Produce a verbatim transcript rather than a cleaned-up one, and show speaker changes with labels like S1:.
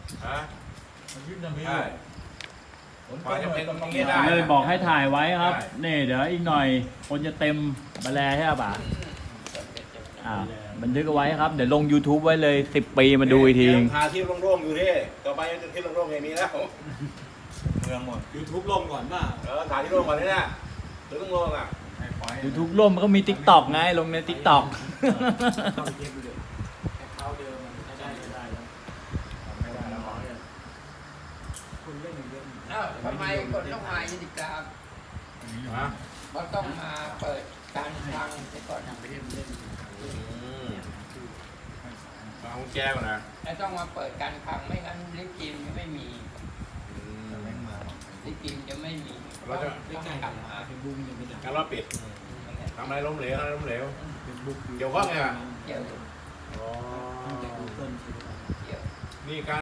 S1: ฮะ
S2: มันยึดน้ำมี
S1: ใช่
S2: ผม
S1: พอจะเป็นตรงนี้
S2: ได้
S1: ได้
S3: เลยบอกให้ถ่ายไว้ครับ
S1: ได้
S3: นี่เดี๋ยวอีกหน่อยคนจะเต็มมาแลใช่ป่ะอ่าบันทึกเอาไว้ครับเดี๋ยวลง YouTube ไว้เลยสิบปีมาดูอีกที
S1: ยังหาที่โล่งๆอยู่ที่ต่อไปจะที่โล่งๆไม่มีแล้ว
S2: เมืองหมด
S4: ยูทูบลงก่อนป่ะ
S1: เออถ่ายที่โล่งก่อนนี่นะหรือต้องโล่งอ่ะ
S2: ให้ไฟ
S3: YouTube ร่วมมันก็มี TikTok ไงลงใน TikTok
S4: เข้าไปเก็บดูเลยแอคเคาท์เดิมมันได้ไม่ได้แล้ว
S2: ไม่ได้แล้ว
S4: คนเล่นเยอะ
S5: อ้าวทำไมคนต้องมายินดีกราบ
S1: ฮะ
S5: เขาต้องมาเปิดการฟังไปก่อน
S4: ทางประเทศมันเล่น
S1: อืมเอากุญแจก่อนนะ
S5: แล้วต้องมาเปิดการฟังไม่งั้นลิฟต์กิมจะไม่มี
S1: อืม
S2: แม่งมา
S5: ลิฟต์กิมจะไม่มี
S1: เราจะ
S5: ต้อง
S4: ใกล้ๆ
S5: ก
S4: กั
S5: ลั
S4: น
S5: บมา
S4: เฟซบุ๊กยังไม่ได้
S1: การรอบปิดทำอะไรล้มเหลวอะไรล้มเหลว
S4: เฟซบุ๊ก
S1: เกี่ยวข้องไงวะ
S5: เดี๋ยว
S1: อ๋อ
S4: จากกูเกิลใช่ไหม
S5: เดี๋ยว
S1: นี่การ